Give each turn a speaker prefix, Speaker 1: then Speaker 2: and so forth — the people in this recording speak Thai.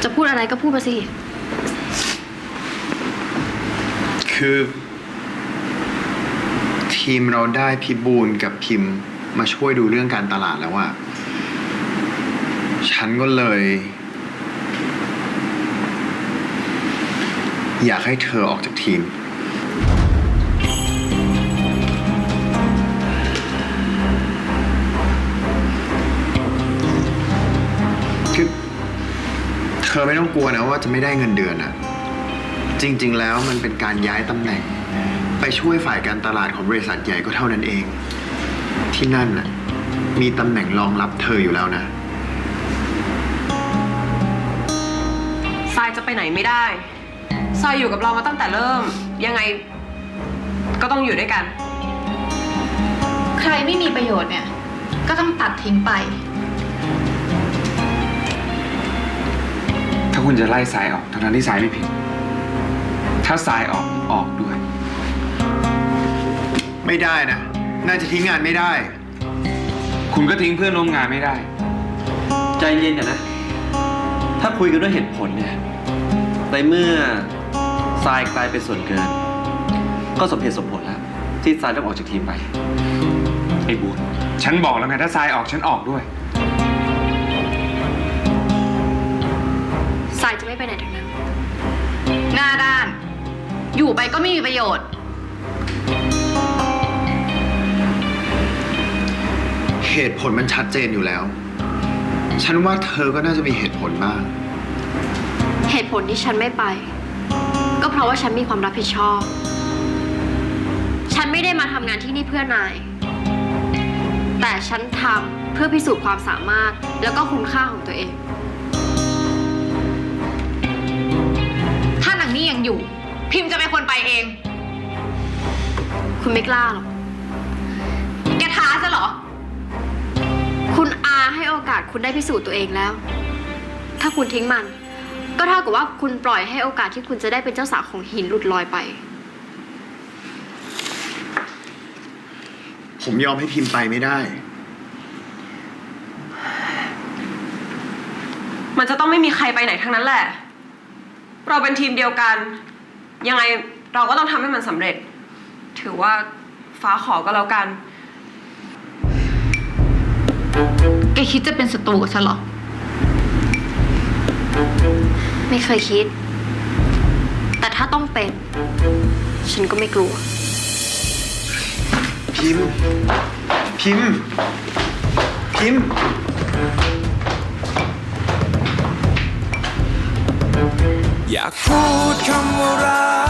Speaker 1: จะพูดอะไรก็พูดมาสิ
Speaker 2: คือทีมเราได้พี่บูลกับพิมพ์มาช่วยดูเรื่องการตลาดแล้วอะฉันก็เลย อยากให้เธอออกจากทีมคือเธอไม่ต้องกลัวนะว่าจะไม่ได้เงินเดือนอะจริงๆแล้วมันเป็นการย้ายตำแหน่งไปช่วยฝ่ายการตลาดของบริษัทใหญ่ก็เท่านั้นเอง ที่นั่นน่ะมีตำแหน่งรองรับเธออยู่แล้วนะ
Speaker 3: ทรายจะไปไหนไม่ได้ทรายอยู่กับเรามาตั้งแต่เริ่ม ยังไงก็ต้องอยู่ด้วยกัน
Speaker 4: ใครไม่มีประโยชน์เนี่ยก็ต้องตัดทิ้งไป
Speaker 5: ถ้าคุณจะไล่ทรายออกทั้งที่ทรายไม่ผิดถ้าทรายออกด้วย
Speaker 2: ไม่ได้นะน่าจะทิ้งงานไม่ได้
Speaker 5: คุณก็ทิ้งเพื่อนร่วมงานไม่ได้
Speaker 6: ใจเย็นนะ ถ้าคุยกันด้วยเหตุผลเนี่ยในเมื่อทรายกลายเป็นส่วนเกิน ก็สมเหตุสมผลแล้วที่ทรายต้องออกจากทีมไป
Speaker 5: ไอ้บูนฉันบอกแล้วไงถ้าทรายออกฉันออกด้วย
Speaker 1: สายจะไม่ไปไหนทั้งนั้น
Speaker 4: หน้าด้าน อยู่ไปก็ไม่มีประโยชน์
Speaker 2: เหตุผลมันชัดเจนอยู่แล้ว ฉันว่าเธอก็น่าจะมีเหตุผลบ้าง
Speaker 1: เหตุผลที่ฉันไม่ไป ก็เพราะว่าฉันมีความรับผิดชอบ ฉันไม่ได้มาทำงานที่นี่เพื่อนาย แต่ฉันทำเพื่อพิสูจน์ความสามารถแล้วก็คุณค่าของตัวเอง
Speaker 4: ถ้านางนี่ยังอยู่ พิมพ์จะเป็นคนไปเอง
Speaker 1: คุณไม่กล้าหรอก
Speaker 4: แกท้าซะเหรอ
Speaker 1: คุณอาให้โอกาสคุณได้พิสูจน์ตัวเองแล้ว ถ้าคุณทิ้งมัน ก็เท่ากับว่าคุณปล่อยให้โอกาสที่คุณจะได้เป็นเจ้าสาวของหินหลุดลอยไป
Speaker 2: ผมยอมให้พิมพ์ไปไม่ได้
Speaker 3: มันจะต้องไม่มีใครไปไหนทั้งนั้นแหละ เราเป็นทีมเดียวกัน ยังไงเราก็ต้องทำให้มันสำเร็จ ถือว่าฟ้าขอก็แล้วกัน
Speaker 4: แกคิดจะเป็นศัตรูกับฉันเหรอ
Speaker 1: ไม่เคยคิด แต่ถ้าต้องเป็น ฉันก็ไม่กลัว
Speaker 2: พิมพ์ พิมพ์ พิมพ์
Speaker 7: อยากพูดคำว่ารั